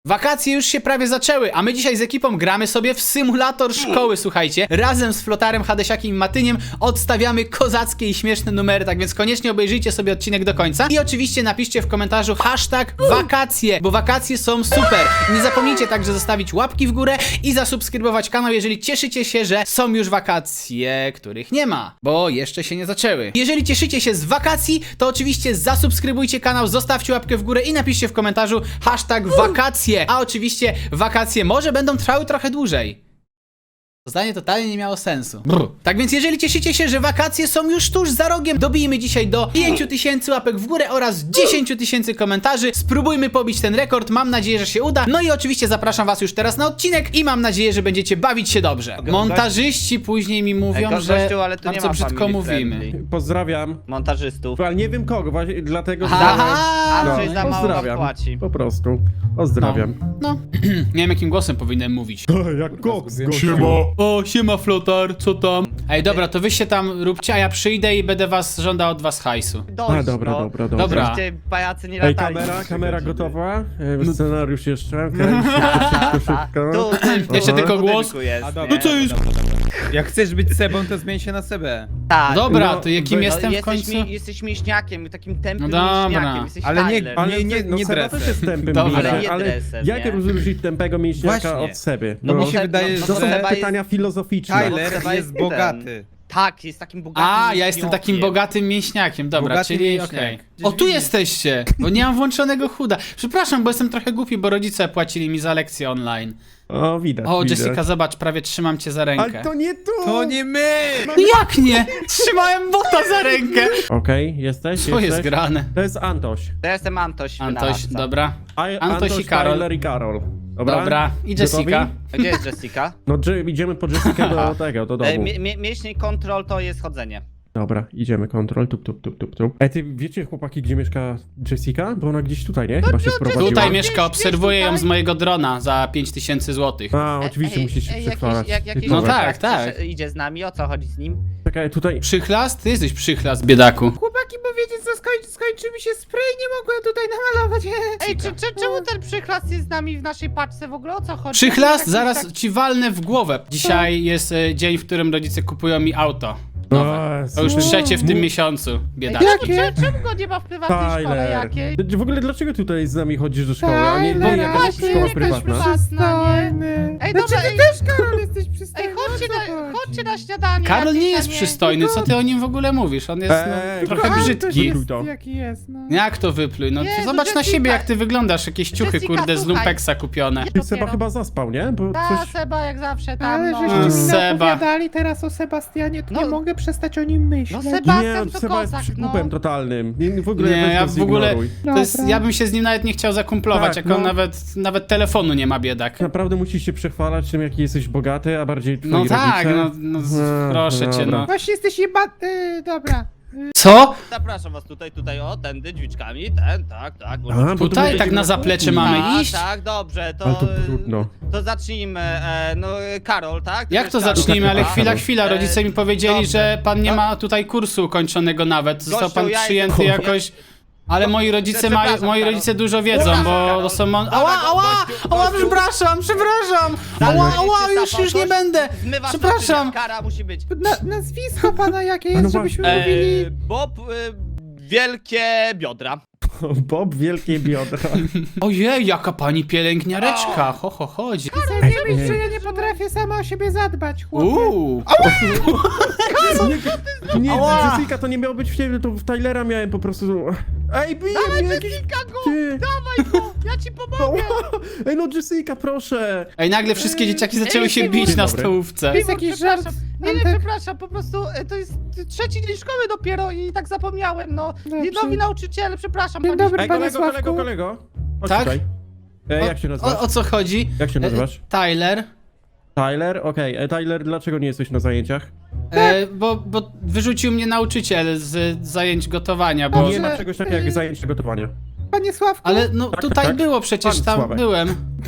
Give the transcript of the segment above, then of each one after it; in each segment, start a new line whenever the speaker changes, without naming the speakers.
Wakacje już się prawie zaczęły, a my dzisiaj z ekipą gramy sobie w symulator szkoły, słuchajcie. Razem z Flotarem, Hadesiakiem i Matyniem odstawiamy kozackie i śmieszne numery, tak więc koniecznie obejrzyjcie sobie odcinek do końca. I oczywiście napiszcie w komentarzu hashtag wakacje, bo wakacje są super. Nie zapomnijcie także zostawić łapki w górę i zasubskrybować kanał, jeżeli cieszycie się, że są już wakacje, których nie ma, bo jeszcze się nie zaczęły. Jeżeli cieszycie się z wakacji, to oczywiście zasubskrybujcie kanał, zostawcie łapkę w górę i napiszcie w komentarzu hashtag wakacje. A oczywiście wakacje może będą trwały trochę dłużej. To zdanie totalnie nie miało sensu. Tak więc jeżeli cieszycie się, że wakacje są już tuż za rogiem, dobijmy dzisiaj do 5000 łapek w górę oraz 10 000 komentarzy. Spróbujmy pobić ten rekord, mam nadzieję, że się uda. No i oczywiście zapraszam was już teraz na odcinek i mam nadzieję, że będziecie bawić się dobrze. Montażyści później mi mówią, że
ale tu nie
bardzo
ma
brzydko
family
mówimy.
friendly.
Pozdrawiam.
Montażystów.
Ale nie wiem kogo, właśnie dlatego, że...
Aha!
Andrzej za mało nam
pozdrawiam.
płaci.
Po prostu. Pozdrawiam.
No. Nie wiem jakim głosem powinienem mówić.
Jak koks,
O, siema Flotar, co tam? Ej, dobra, to wy się tam róbcie, a ja przyjdę i będę żądał od was hajsu.
Dość,
A, dobra,
no.
dobra.
Dobra.
Żebyście pajacy nie
Ej,
latali.
kamera gotowa? Scenariusz jeszcze? Szybko.
Jeszcze tylko głos.
Jest,
dobra.
No co jest?
Jak chcesz być Sebą, to zmień się na Sebę.
Tak.
Dobra,
No,
to jakim
no,
jestem w
jesteś
końcu?
Jesteś mięśniakiem, takim tępym
No dobra.
mięśniakiem. Jesteś
Ale nie-
Tyler.
Ale
nie
no, Seba
dresem.
też jest tępym
Dobra.
mięśniakiem,
Ale nie
ale
dresem,
jak
nie?
rozróżnić tępego mięśniaka
Właśnie.
od Seby?
No
mi
bo
się
Seba-
wydaje,
no
że
bo
To są
Seba jest-
pytania filozoficzne.
Tyler
Seba
jest
ten.
bogaty.
Tak, jest takim bogatym
A, ja jestem takim
mięśniakiem.
bogatym mięśniakiem, dobra,
Bogaty
czyli
mięśniak.
okej.
Gdzieś
O, tu
widzisz.
jesteście, bo nie mam włączonego chuda. Przepraszam, bo jestem trochę głupi, bo rodzice płacili mi za lekcje online.
O, widać,
O,
widać.
Jessica, zobacz, prawie trzymam cię za rękę.
Ale to nie tu!
To nie my!
Jak nie? Trzymałem bota za rękę!
Okej, jesteś?
Co jest
jesteś?
grane?
To jest Antoś.
To ja jestem Antoś,
Antoś,
wynalazca.
dobra. Antoś i
Tyler
Karol.
i Karol. Dobra?
Dobra, i Jessica.
Gotowi?
A gdzie jest Jessica?
No, idziemy po Jessica do tego, do domu.
Mięśniej kontrol to jest chodzenie.
Dobra, idziemy, kontrol, tup. Ej, ty wiecie, chłopaki, gdzie mieszka Jessica? Bo ona gdzieś tutaj, nie? Chyba się wprowadziła.
Tutaj mieszka, obserwuję ją
tutaj.
z mojego drona za 5000 zł.
A, oczywiście musisz się przechwalać.
Jakiś
No
Dobra.
tak, tak.
Idzie z nami, o co chodzi z nim?
Czekaj, tutaj...
Przychlast? Ty jesteś przychlast, biedaku.
Chłopaki, bo wiecie co, skończy mi się spray, nie mogłem tutaj namalować.
Ej, czemu ten przychlas jest z nami w naszej paczce w ogóle? O co chodzi?
Przychlast?
Jakiś
Zaraz
tak-
ci walnę w głowę. Dzisiaj jest dzień, w którym rodzice kupują mi auto. Nowe. To już trzecie w tym miesiącu, biedaku.
Czemu go nie ma w prywatnej szkole jakiej?
W ogóle dlaczego tutaj z nami chodzisz do szkoły, a nie
Tyler,
jakaś
właśnie,
szkoła
jakaś
prywatna?
Przystojny.
Ej,
Znaczy,
dobra,
ty
ej.
też, Karol, jesteś przystojny.
Ej,
o co
chodźcie na śniadanie.
Karol nie
jakieś,
jest
a
przystojny, co ty o nim w ogóle mówisz? On jest trochę
kochany,
brzydki.
jest-
Jest, jaki jest, no.
Jak to wypluj? No
Nie,
to
no
zobacz na
Jessica-
siebie, jak ty wyglądasz. Jakieś ciuchy,
Jessica,
kurde, z
słuchaj.
lumpeksa kupione.
Ty Seba chyba zaspał, nie? Bo
Ta
coś...
Seba jak zawsze tam,
Ale
no.
żeście mi
Seba.
opowiadali teraz o Sebastianie, to
No.
nie mogę przestać o nim myśleć.
No Seba-
Nie,
to
Seba jest
kozak,
przykupem
no.
totalnym. W ogóle
Nie,
weź
ja
go
w ogóle.
zignoruj.
To jest,
Dobra.
ja bym się z nim nawet nie chciał zakumplować,
Tak,
jak on
no.
nawet telefonu nie ma, biedak.
Naprawdę musisz się przechwalać tym, jaki jesteś bogaty, a bardziej twoi
No tak,
rodzice.
proszę cię,
dobra.
no.
Właśnie jesteś dobra.
Co?
Zapraszam was tutaj, o, tędy, drzwiczkami, tak.
A, bo tu
Tutaj
będzie
tak na zaplecze mamy iść?
Tak, dobrze,
Ale to trudno.
to zacznijmy, no Karol, tak? Ty
Jak
wiesz,
to
Karol,
zacznijmy? Ale
chyba?
chwila, rodzice mi powiedzieli,
dobrze.
że pan nie
No.
ma tutaj kursu ukończonego nawet. Został
Gościu,
pan
ja
przyjęty
jestem-
jakoś. Ale moi rodzice
Przepraszam,
moi
Karol.
rodzice dużo wiedzą,
Przepraszam,
bo
Karol.
to są
Dobra,
Ała,
gościu.
przepraszam! Już nie będę!
Zmywasz
Przepraszam!
naczynia, kara musi być.
Nazwisko pana jakie jest,
No
żebyśmy
właśnie.
mówili.
Bob, wielkie biodra.
Bob, wielkie biodra.
Ojej, jaka pani pielęgniareczka! Chodzi.
Nie myśl, że ja nie potrafię sama o siebie zadbać, chłopie.
Nie,
Ała.
Jessica, to nie miało być w ciebie, to w Tylera miałem po prostu... Ej, bije mnie jakiś...
Jessica go!
Ty.
Dawaj go! Ja ci pomogę!
Ej, no Jessica, proszę!
Ej, nagle wszystkie dzieciaki zaczęły się
Dzień
bić na
dobry.
stołówce.
To jest jakiś żart.
Nie,
Antek.
przepraszam, po prostu to jest trzeci dzień szkoły dopiero i tak zapomniałem, no.
Dobrze.
Nowi nauczyciele, przepraszam.
Dzień
panie
dobry,
Ej,
panie
kolego,
Sławku.
kolego. Chodź
Tak?
tutaj. Jak się nazywasz?
O co chodzi?
Jak się nazywasz?
Tyler.
Tyler? Okej. Tyler, dlaczego nie jesteś na zajęciach?
Bo wyrzucił mnie nauczyciel z zajęć gotowania, bo...
Nie ma czegoś takiego jak zajęcia gotowania.
Panie Sławku.
Ale no
Tak,
tutaj
tak.
było przecież,
Pan
tam
Sławek.
byłem.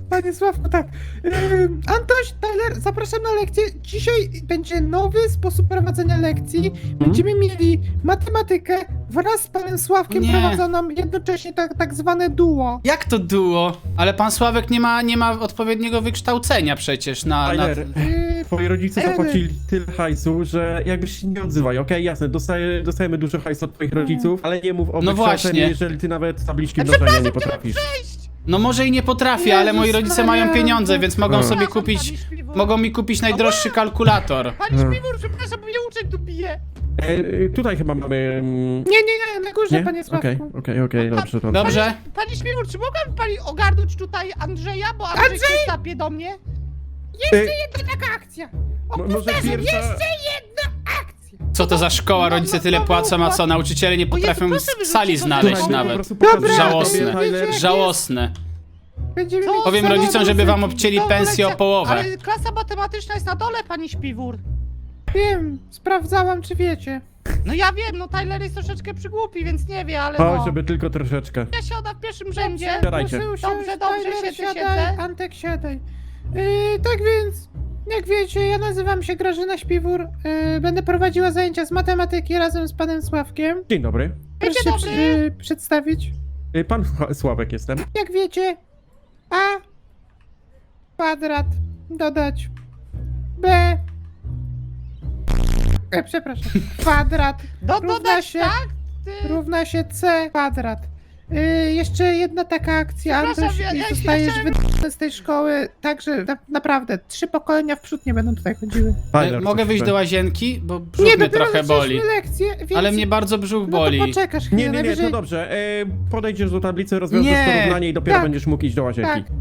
Panie Sławku, tak. Antoś, Tyler, zapraszam na lekcję. Dzisiaj będzie nowy sposób prowadzenia lekcji. Będziemy mieli matematykę wraz z panem Sławkiem
Nie.
prowadzoną jednocześnie tak zwane duo.
Jak to duo? Ale pan Sławek nie ma odpowiedniego wykształcenia przecież na...
Tyler, twoi rodzice
Tyler.
zapłacili tyle hajsu, że jakbyś się nie odzywaj, okej? Jasne, dostajemy dużo hajsu od twoich rodziców, ale nie mów o
No
wykształceniu,
właśnie.
jeżeli ty nawet tabliczki mnożenia nie potrafisz.
No może i nie potrafię, ale moi
Jezus
rodzice
Maria.
mają pieniądze, więc mogą sobie
Przepraszam,
kupić...
pani Śpiwór.
Mogą mi kupić najdroższy kalkulator.
Pani Śpiwór, przepraszam, bo mnie uczeń tu bije.
Tutaj chyba mamy...
Nie, na górze,
Nie?
panie Sławku.
Okej, dobrze, dobrze.
Dobrze?
Pani Śpiwór, czy mogłaby pani ogarnąć tutaj Andrzeja, bo Andrzej się tapie do mnie?
E,
Jedna taka akcja.
Może pierwsza...
Co to za szkoła? Rodzice tyle płacą, a co? Nauczyciele nie potrafią
proszę,
w sali
wyrzućcie
znaleźć
go.
Słuchaj, po
nawet.
prostu pokażę
Dobra.
Żałosne.
tobie, Tyler.
Żałosne.
Będziemy
Co?
mieć
Powiem
same
rodzicom, żeby wam
muzyki.
obcięli
Dobra,
pensję o
lekcja,
połowę.
Ale klasa matematyczna jest na dole, pani Śpiwór.
Wiem, sprawdzałam, czy wiecie.
No ja wiem, no Tyler jest troszeczkę przygłupi, więc nie wie, ale
Chodź,
no.
żeby tylko troszeczkę.
Ja siadam w pierwszym rzędzie.
Siadajcie.
Proszę usiąść,
Dobrze,
Tyler,
siedzę.
siadaj, Antek, siadaj. Tak więc, jak wiecie, ja nazywam się Grażyna Śpiwór. Będę prowadziła zajęcia z matematyki razem z panem Sławkiem.
Dzień dobry.
Proszę się
dobry.
przedstawić.
Pan Sławek jestem.
Jak wiecie, a kwadrat dodać b... przepraszam. Kwadrat równa
Dodać,
się,
tak? Ty...
równa się c kwadrat. Jeszcze jedna taka akcja,
Przepraszam,
Antoś,
ja
i zostajesz
chciałem-
wydany z tej szkoły, także naprawdę 3 pokolenia w przód nie będą tutaj chodziły.
Tyler,
Mogę
coś
wyjść
chce.
do łazienki? Bo brzuch
Nie,
mnie
dopiero
trochę boli.
zaczęliśmy lekcję, więc...
Ale mnie bardzo brzuch
No to
boli.
poczekasz chwilę,
Nie,
najwyżej...
to dobrze. Podejdziesz do tablicy, rozwiążesz
Nie.
to równanie i dopiero
Tak.
będziesz mógł iść do łazienki.
Tak.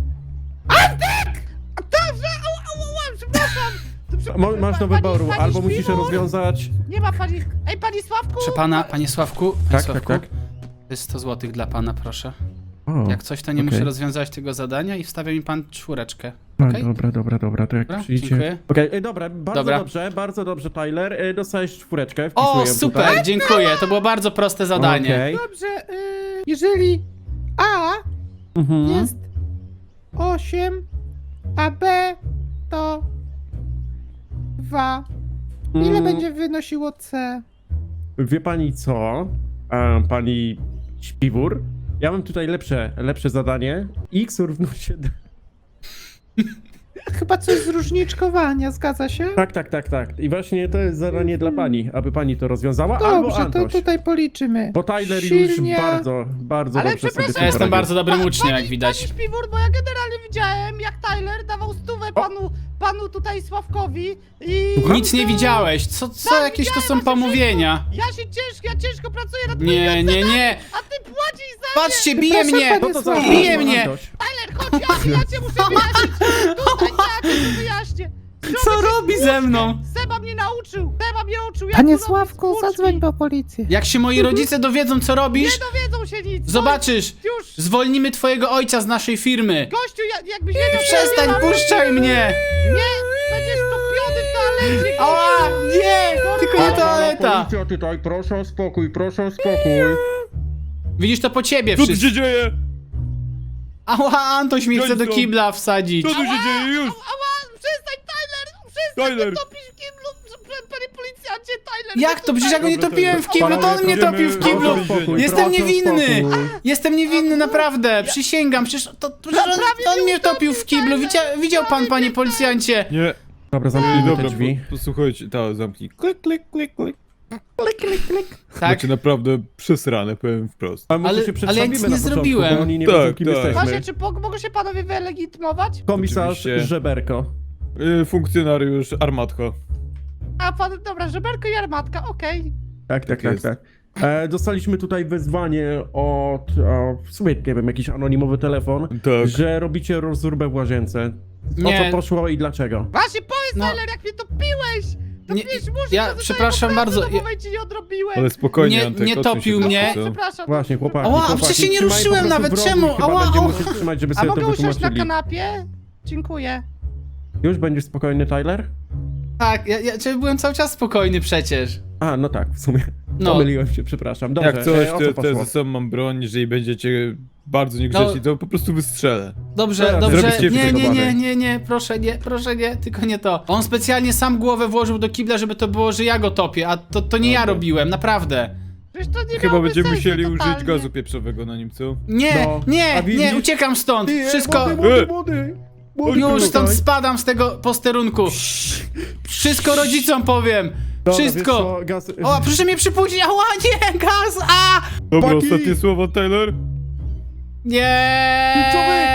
Dobrze, przepraszam.
Masz do
Pani-
wyboru,
pani
albo musisz
Śpiwór?
rozwiązać...
Nie ma pani... Ej, pani Sławku!
Proszę pana, panie Sławku, panie
Tak,
Sławku,
tak.
to jest 100 zł dla pana, proszę.
O,
Jak coś, to nie
okej.
muszę rozwiązywać tego zadania i wstawia mi pan 4.
No,
okej?
Dobra, to jak
Dobra,
przyjdzie...
dziękuję.
Okej, dobra,
Dobra.
bardzo dobrze, Tyler. Dostajesz 4, wpisuję
O,
ją
super,
tutaj.
dziękuję. To było bardzo proste zadanie.
Okej.
Dobrze, jeżeli A
Mhm.
jest 8, a B to 2. Ile
Mm,
będzie wynosiło C?
Wie pani co? Pani Śpiwór? Ja mam tutaj lepsze zadanie. X równa się...
Chyba coś z różniczkowania, zgadza się?
Tak. I właśnie to jest zadanie dla pani, aby pani to rozwiązała, albo
Dobrze, to
Antoś.
tutaj policzymy.
Bo Tyler
Silnie-
już bardzo
Ale
dobrze sobie
przepraszam,
z tym
Ja jestem
poradził.
bardzo dobrym uczniem, jak
Pani
widać.
Śpiwór, bo ja generalnie widziałem, jak Tyler dawał stówę panu tutaj Sławkowi i...
Nic nie widziałeś. Co jakieś to są pomówienia?
Ja ciężko pracuję nad
Nie,
a ty płacisz za
Patrzcie, bije
Przepraszam,
mnie!
panie
No to za
Sławku.
Bije mnie!
Antoś.
Tyler, chodź, ja cię muszę wyjaśnić! Tutaj tak, to wyjaśnię!
Co robi ze mną?
Seba mnie nauczył! Jak
Panie
robić
Sławku,
spłuczki.
zadzwoń po policję.
Jak się moi rodzice dowiedzą, co
Nie
robisz,
dowiedzą się nic!
zobaczysz!
Już!
Zwolnimy twojego ojca z naszej firmy!
Gościu, jakbyś wiedział...
Przestań, puszczaj mnie!
Nie! Będziesz topiony w toalecie!
Ała! Nie! Tylko nie toaleta!
Policja tutaj, proszę o spokój.
Widzisz, to po ciebie
Co tu
wszystko.
się dzieje?
Ała, Antoś mnie chce do
Johnson.
kibla wsadzić.
Co tu się dzieje już?
Ała! Przestań, Tyler! Przestań
Tyler.
to topisz w kiblu! Panie policjancie, Tyler!
Jak to? Przecież ja go nie
Dobra,
topiłem w
dobra.
kiblu, to on mnie
Panowie,
topił w
idziemy
kiblu!
do więzienia.
Jestem niewinny! Jestem niewinny, naprawdę! Przysięgam, przecież on mnie topił w kiblu. Widział pan, panie policjancie?
Nie.
Dobra,
I
zamknijmy te
dobra,
drzwi.
posłuchajcie, zamknij. Klik.
Tak?
Macie naprawdę przesrane, powiem wprost.
A może
Ale-
się
ale ja
przedstawimy
nic
na
nie
początku,
zrobiłem.
bo oni nie
Tak,
wiedzą, kim
tak.
jesteśmy.
Właśnie, czy mogą się panowie wylegitymować?
Komisarz
Oczywiście.
Żeberko.
Funkcjonariusz Armatko.
A pan, dobra, żeberko i armatka, okej.
Tak.
jest.
Dostaliśmy tutaj wezwanie w sumie, nie wiem, jakiś anonimowy telefon,
Tak.
że robicie rozróbę w łazience. O
Nie.
co poszło i dlaczego?
Właśnie, powiedz,
No.
Tyler, jak mnie topiłeś!
Nie,
Topiłeś muszę,
ja przepraszam bardzo,
W momencie nie odrobiłem.
Ale spokojnie,
Nie-
Antek,
nie
odsuń się
topił
do
mnie.
końca.
Przepraszam.
Właśnie, chłopaki.
Ała,
chłopaki,
przecież się nie
trzymaj po
ruszyłem
prostu
nawet,
w rogu i
czemu?
chyba
Ała,
będziemy
ała.
musieli trzymać, żeby
A
sobie to
mogę usiąść na
wytłumaczyli.
kanapie? Dziękuję.
Już będziesz spokojny, Tyler?
Tak, ja byłem cały czas spokojny przecież.
A, no tak, w sumie.
No.
Pomyliłem się, przepraszam. Dobrze,
Jak coś,
o co
to
poszło?
ze sobą mam broń, jeżeli będziecie bardzo niegrzeczni, to po prostu wystrzelę.
Dobrze,
Teraz
dobrze.
zrobicie
Nie, nie,
wykopane.
nie, proszę nie, tylko nie to. On specjalnie sam głowę włożył do kibla, żeby to było, że ja go topię, a to nie ja
Dobra.
robiłem, naprawdę.
Przecież to nie
Chyba
miałoby
będziemy
sensu
musieli
totalnie.
użyć gazu pieprzowego na nim, co?
Nie,
No,
nie,
a widzisz?
nie, uciekam stąd. Wszystko.
Młody.
Już stąd spadam z tego posterunku. Wszystko rodzicom powiem. Wszystko.
Gaz...
O, proszę mnie przypuścić. Ała, nie, gaz, a!
Dobra,
Chłopaki!
ostatnie słowo, Tyler?
Nie!